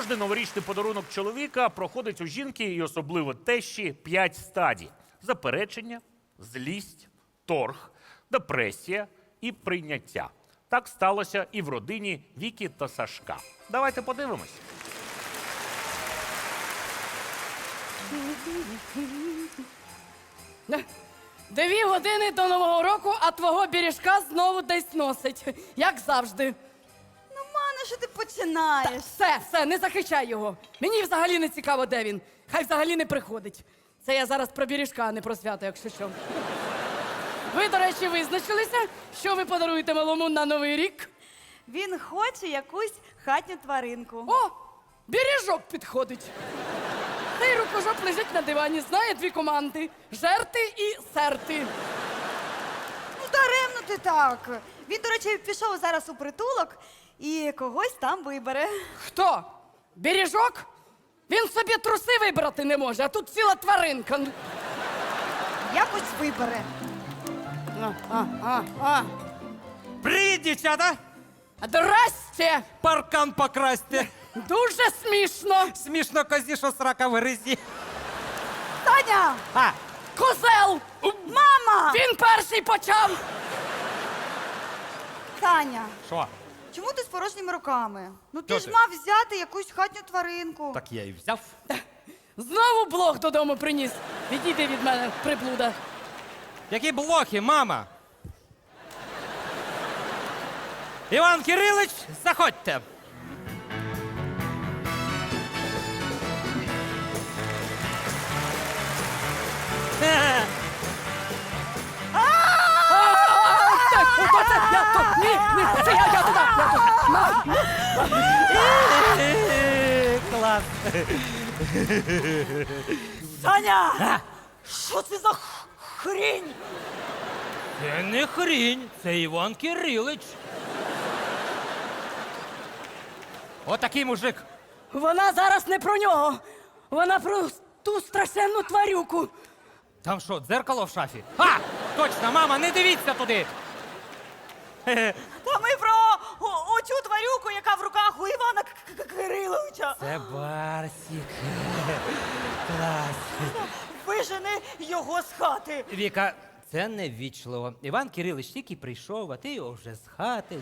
Кожний новорічний подарунок чоловіка проходить у жінки і особливо тещі 5 стадій: заперечення, злість, торг, депресія і прийняття. Так сталося і в родині Віки та Сашка. Давайте подивимось. Дві години до Нового року, а твого бережка знову десь носить. Як завжди. Ну, мане, що ти починаєш? Все, не захищай його. Мені взагалі не цікаво, де він. Хай взагалі не приходить. Це я зараз про бережка, а не про свято, якщо що. Ви, до речі, визначилися, що ви подаруєте малому на Новий рік? Він хоче якусь хатню тваринку. О, бережок підходить. Цей рукожоп лежить на дивані, знає дві команди – жерти і серти. Ну, даремно ти так. Він, до речі, пішов зараз у притулок і когось там вибере. Хто? Бережок? Він собі труси вибрати не може, а тут ціла тваринка. Якось вибере. Привіт, дівчата! Здрасте! Паркан покрасьте. Дуже смішно. Смішно козі, що срака в гризі. Таня! А, Козел! Мама! Він перший почав. Таня, що? чому ти з порожніми руками? Ну ти Що ж ти? мав взяти якусь хатню тваринку. Так я і взяв. Знову блох додому приніс. Відійди від мене, приблуда. Які блохи, мама? Іван Кирилич, заходьте. Ні, це я туди. Клас. Таня! Що це за хрінь? Це не хрінь, це Іван Кирилич. Отакий мужик. Вона зараз не про нього. Вона про ту страшенну тварюку. Там що, дзеркало в шафі? А, точно, мама, не дивіться туди. Та ми про оцю тварюку, яка в руках у Івана Кириловича. Це Барсік. Клас. Вижени його з хати. Віка, це неввічливо. Іван Кирилич тільки прийшов, а ти його вже з хати.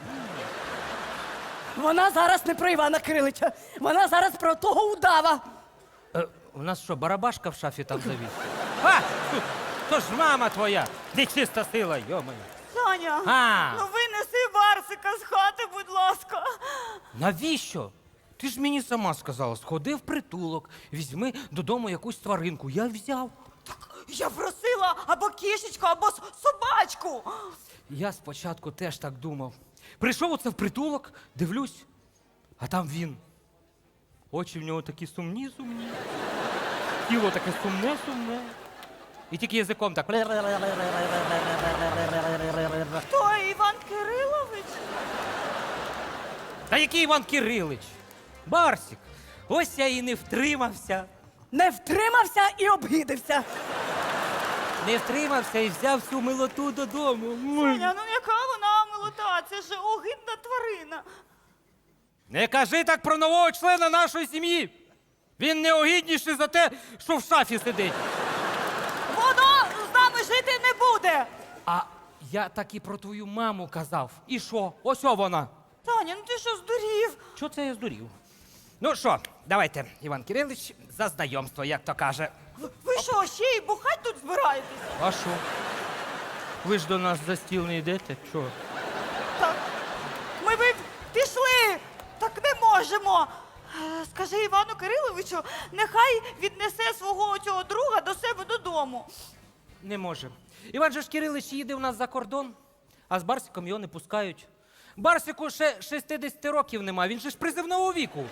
Вона зараз не про Івана Кирилича. Вона зараз про того удава. У нас що, барабашка в шафі там завіс? А, то ж мама твоя, нечиста сила, йомаю. Таня, А. ну винеси Барсика з хати, будь ласка. Навіщо? Ти ж мені сама сказала, сходи в притулок, візьми додому якусь тваринку. Я взяв. Я просила або кішечку, або собачку. Я спочатку теж так думав. Прийшов оце в притулок, дивлюсь, а там він. Очі в нього такі сумні. Тіло таке сумне. І тільки язиком так. Хто, Іван Кирилович? Та який Іван Кирилич? Барсік. Ось я і не втримався. Не втримався і обгидився. Не втримався і взяв всю милоту додому. Таня, ну яка вона милота? Це ж огидна тварина. Не кажи так про нового члена нашої сім'ї. Він неогідніший за те, що в шафі сидить. Воно з нами жити не буде. А я так і про твою маму казав. І що? Ось вона. Таня, ну ти що здурів? Що це я здурів? Ну що, давайте, Іван Кирилич, за знайомство, як то каже. Ви що, ще й бухать тут збираєтесь? А що? Ви ж до нас за стіл не йдете? Чого? Так, ми б пішли, так не можемо. Скажи Івану Кириловичу, нехай віднесе свого цього друга до себе додому. Не може. Іван же ж Кирилич їде у нас за кордон, а з Барсиком його не пускають. Барсику ще 60 років нема, він же ж призивного віку.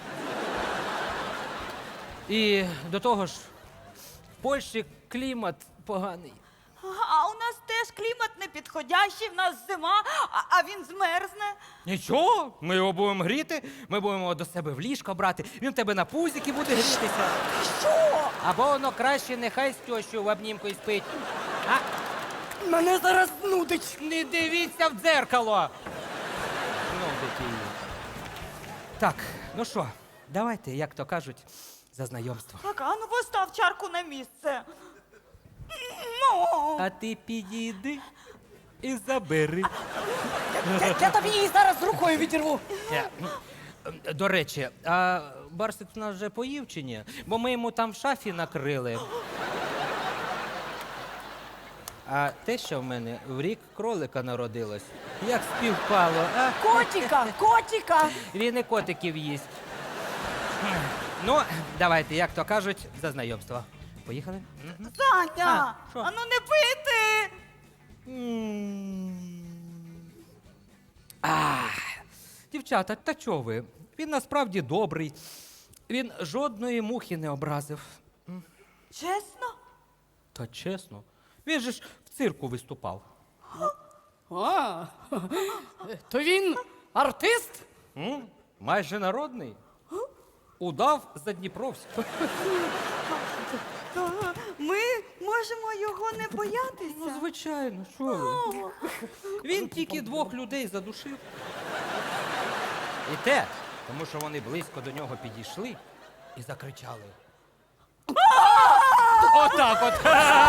І до того ж, в Польщі клімат поганий. А у нас теж клімат непідходящий, в нас зима, а він змерзне. Нічого, ми його будемо гріти, ми будемо його до себе в ліжко брати, він в тебе на пузіки буде грітися. Що? Або воно краще нехай з тещою в обнімку і спить. А Мене зараз нудить. не дивіться в дзеркало. Ну, дитині. Так, ну що, давайте, як то кажуть, за знайомство. Так, а ну постав чарку на місце. Ну, А ти підійди і забери. Я тобі її зараз рукою відірву. До речі, а Барсик в нас вже поїв чи ні? Бо ми йому там в шафі накрили. А те, що в мене в рік кролика народилось, як співпало, а? Котіка! Він і котиків їсть. Ну, давайте, як то кажуть, за знайомство. Поїхали? Мгм. Саня, А, що? а ну не пити. Дівчата, та чого ви? Він насправді добрий. Він жодної мухи не образив. Чесно? Та чесно, він же ж в цирку виступав. А, то він артист? Майже народний. Удав Задніпровський. То ми можемо його не боятися. Ну, звичайно, що ви? Він тільки 2 людей задушив. І те, тому що вони близько до нього підійшли і закричали. Отак от.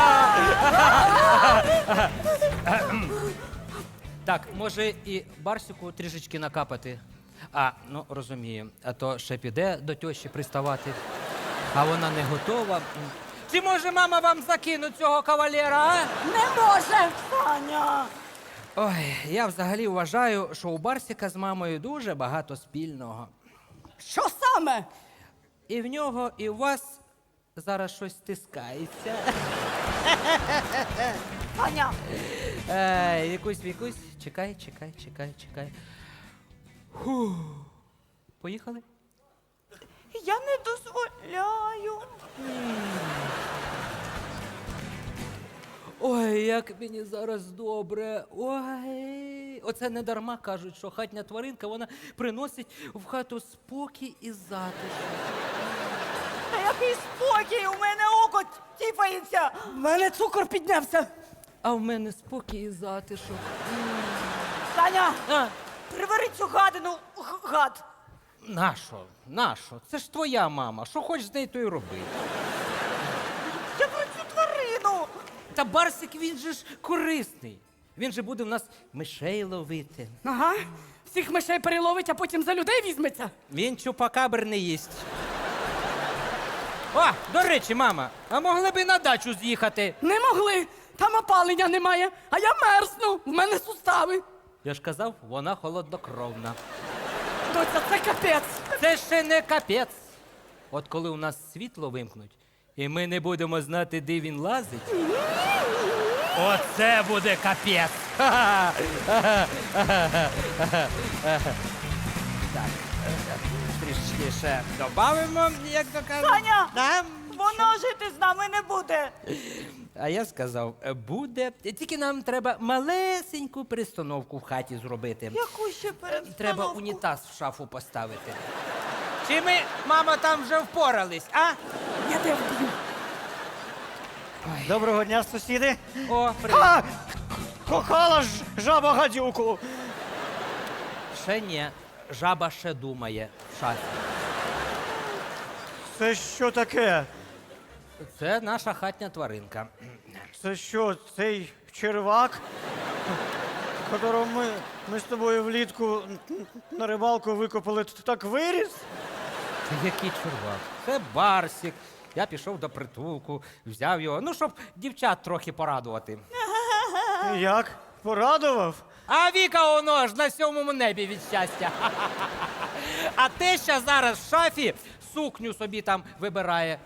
Так, може і Барсику трішечки накапати. А, ну розумію, а то ще піде до тьощі приставати, а вона не готова. Чи може мама вам закинуть цього кавалера, а? Не може! Саня. Ой, я взагалі вважаю, що у Барсика з мамою дуже багато спільного. Що саме? І в нього, і у вас зараз щось стискається. Саня. Вікусь, чекай. Фу. Поїхали? Я не дозволяю. Ой, як мені зараз добре. Ой. Оце не дарма кажуть, що хатня тваринка, вона приносить в хату спокій і затишок. Та який спокій, у мене око тіпається. В мене цукор піднявся. А в мене спокій і затишок. Саня, А, прибери цю гадину, гад. нащо? Це ж твоя мама. Що хочеш з нею, то й роби. Я про цю тварину. Та Барсик, він же ж корисний. Він же буде в нас мишей ловити. Ага. Всіх мишей переловить, а потім за людей візьметься. Він чупакабр не їсть. О, до речі, мама, а могли б і на дачу з'їхати? Не могли. Там опалення немає, а я мерзну. В мене сустави. Я ж казав, вона холоднокровна. Доця, це капець. Це ще не капець. От коли у нас світло вимкнуть, і ми не будемо знати, де він лазить. Оце буде капець. Так, трішки ще додамо, як то кажуть. Саня! Да? Воно жити з нами не буде. А я сказав, буде. Тільки нам треба малесеньку перестановку в хаті зробити. Яку ще перестановку? Треба унітаз в шафу поставити. Чи ми, мама, там вже впорались, а? Я тебе вб'ю. Доброго дня, сусіди. О, привіт. А! Кохала ж жаба гадюку. Ще ні. Жаба ще думає в шафі. Це що таке? Це наша хатня тваринка. Це що, цей червак, которого ми з тобою влітку на рибалку викопали, так виріс? Та який чувак? Це Барсик. Я пішов до притулку, взяв його, ну, щоб дівчат трохи порадувати. Як? Порадував? А Віка воно ж на 7-му небі від щастя. А теща зараз в шафі сукню собі там вибирає.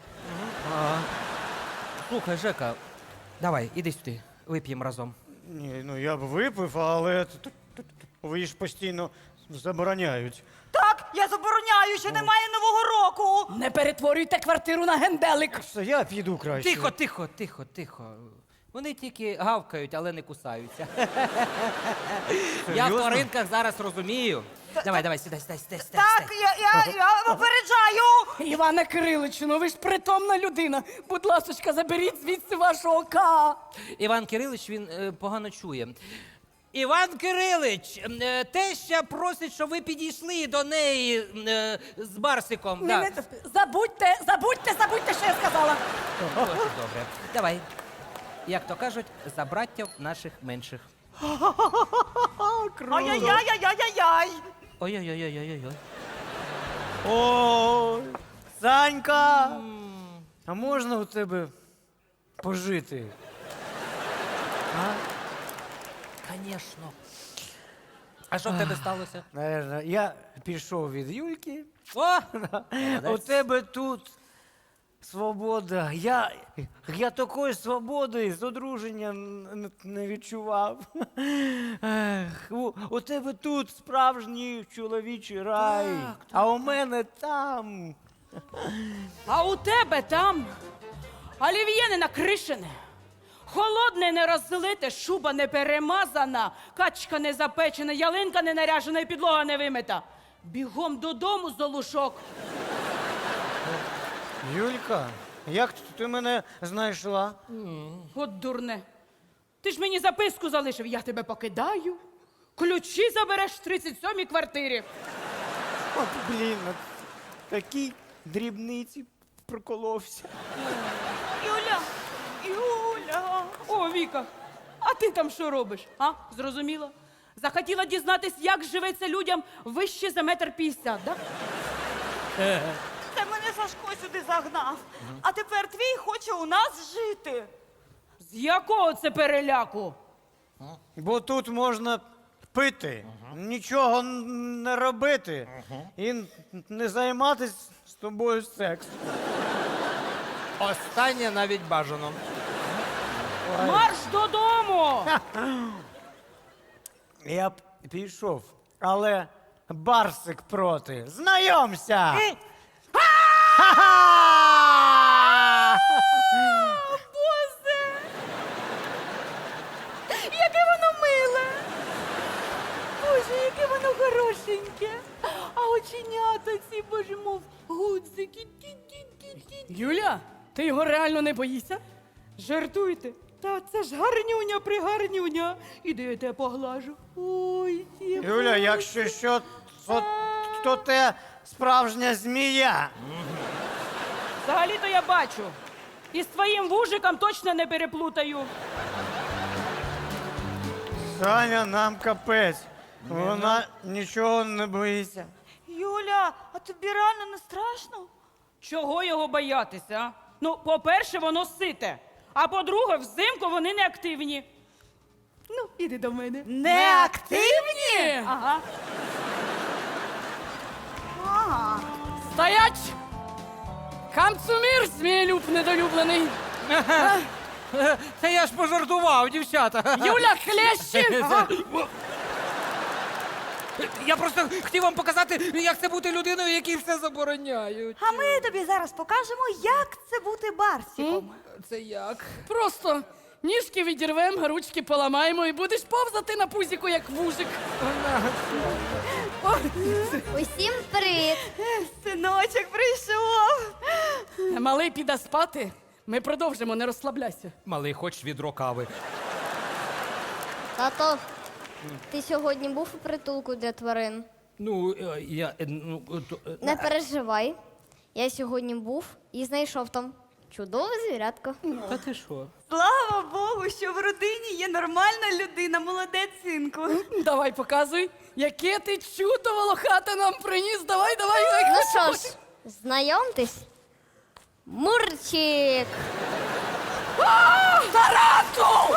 Слухай, Жека, давай, іди сюди, вип'ємо разом. Ні, ну я б випив, але ви ж постійно забороняють. Так, я забороняю, що немає Нового року. Не перетворюйте квартиру на генделик. Все, я піду краще. Тихо. Вони тільки гавкають, але не кусаються. Я в Серйозно? тваринках зараз розумію. Давай, сідай. Так, я попереджаю. Іване Кириличу, ну ви ж притомна людина. Будь ласочка, заберіть звідси вашого ка. Іван Кирилич, він погано чує. Іван Кирилич, теща просить, щоб ви підійшли до неї з Барсиком. Да. Забудьте, що я сказала. Дуже добре. Давай. Як то кажуть, за браттів наших менших. Ай-яй-яй-яй-яй-яй! Ой-ой-ой-ой-ой-ой. Ой, Санька! А можна у тебе пожити? Звісно. А що в тебе сталося? Наверно, я пішов від Юльки. О! У тебе тут свобода. Я такої свободи з одруження не відчував. Ех, у тебе тут справжній чоловічий рай, а у мене там. А у тебе там олів'є не накришене, холодне не розлите, шуба не перемазана, качка не запечена, ялинка не наряжена і підлога не вимита. Бігом додому, Золушок. Юлька, як ти мене знайшла? От дурне. Ти ж мені записку залишив, я тебе покидаю. Ключі забереш в 37-й квартирі. От, блін, такі дрібниці проколовся. Юля! О, Віка, а ти там що робиш? А? Зрозуміла? Захотіла дізнатись, як живеться людям вище за 1,50 м, да? Це мене Сашко сюди загнав. А тепер твій хоче у нас жити. З якого це переляку? Бо тут можна пити, нічого не робити і не займатися з тобою сексом. Останнє навіть бажано. Марш додому! Я б пішов, але Барсик проти. Знайомся! Ха-ха! Боже! Яке воно миле! Боже, яке воно хорошеньке! А оченята ці, боже, мов гудзики. Юля, ти його реально не боїшся? Жартуйте. Та це ж гарнюня пригарнюня. Іди, я тебе поглажу. Ой, ті. Юля, якщо що, то те справжня змія. Взагалі-то я бачу. І з твоїм вужиком точно не переплутаю. Саня, нам капець. Вона нічого не боїться. Юля, а тобі реально не страшно? Чого його боятися? А? Ну, по-перше, воно сите. А по-друге, взимку вони не активні. Ну, іди до мене. Не активні? Ага. Ага. Стоять! Камцумір, змієлюб недолюблений. Та я ж пожартував, дівчата. Юля, хлещі! Ага. Я просто хотів вам показати, як це бути людиною, якій все забороняють. А ми тобі зараз покажемо, як це бути барсиком. Це як? Просто ніжки відірвемо, ручки поламаємо і будеш повзати на пузіку, як вужик. Усім привіт! Синочок прийшов. Малий піде спати. Ми продовжимо, не розслабляйся. Малий, хоч відро кави. Тато, ти сьогодні був у притулку для тварин? Ну, Не переживай. Я сьогодні був і знайшов там чудове звірятко. Та ти що? Слава Богу, що в родині є нормальна людина, молодець, синку. Давай, показуй, яке ти чудо волохате нам приніс. Давай. Ну що ж, знайомтесь. Мурчик! Тарантул!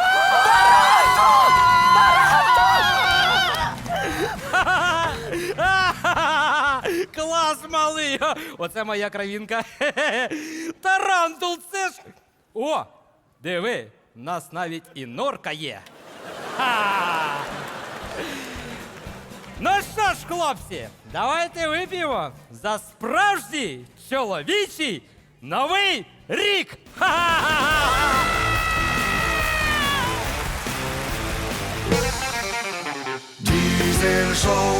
Клас, малий! Оце моя кравінка. Тарантул, це ж. О! Диви, в нас навіть і норка є. Ха! Ну що ж, хлопці, давайте вип'ємо за справжній чоловічий Новий рік! Ха-ха-ха! Diesel Show.